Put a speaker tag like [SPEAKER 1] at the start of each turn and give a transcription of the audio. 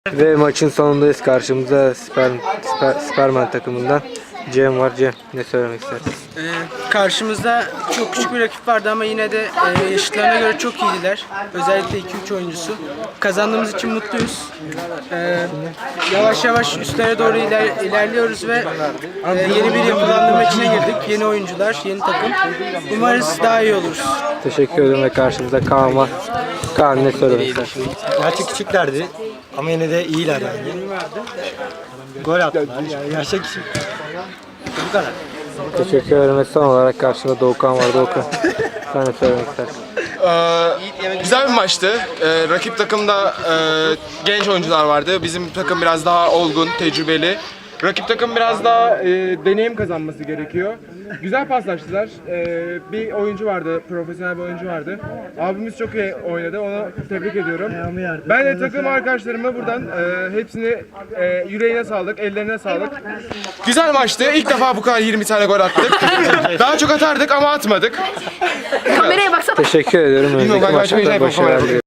[SPEAKER 1] Ve maçın sonundayız. Karşımızda Superman takımından Cem var. Cem, ne söylemek istersin?
[SPEAKER 2] Karşımızda çok küçük bir rakip vardı ama yine de yaşıtlarına göre çok iyiydiler. Özellikle 2-3 oyuncusu. Kazandığımız için mutluyuz. Yavaş yavaş üstlere doğru ilerliyoruz ve yeni bir yapılandırma içine girdik. Yeni oyuncular, yeni takım. Umarız daha iyi oluruz.
[SPEAKER 1] Teşekkür ederim ve karşımızda Kaan var. Kaan, ne söylemek istersin?
[SPEAKER 3] Gerçi küçüklerdi ama yine de iyiler yani. Gol attılar yani yaşa küçük. Bu kadar.
[SPEAKER 1] Teşekkür ederim ve son olarak karşımda Doğukan var. Doğukan, sen ne söylemek istersin?
[SPEAKER 4] Güzel bir maçtı. Rakip takımda genç oyuncular vardı. Bizim takım biraz daha olgun, tecrübeli. Rakip takım biraz daha deneyim kazanması gerekiyor. Güzel paslaştılar. Bir oyuncu vardı, profesyonel bir oyuncu vardı. Abimiz çok iyi oynadı, onu tebrik ediyorum. Ben de takım arkadaşlarıma buradan hepsini yüreğine sağlık, ellerine sağlık. Güzel maçtı. İlk defa bu kadar 20 tane gol attık. Daha çok atardık ama atmadık.
[SPEAKER 5] Kameraya baksana.
[SPEAKER 1] Teşekkür ediyorum. Önümüzdeki
[SPEAKER 4] Bilmiyorum,
[SPEAKER 1] maçlarda
[SPEAKER 4] başka bir şey
[SPEAKER 1] başarılar diliyorum.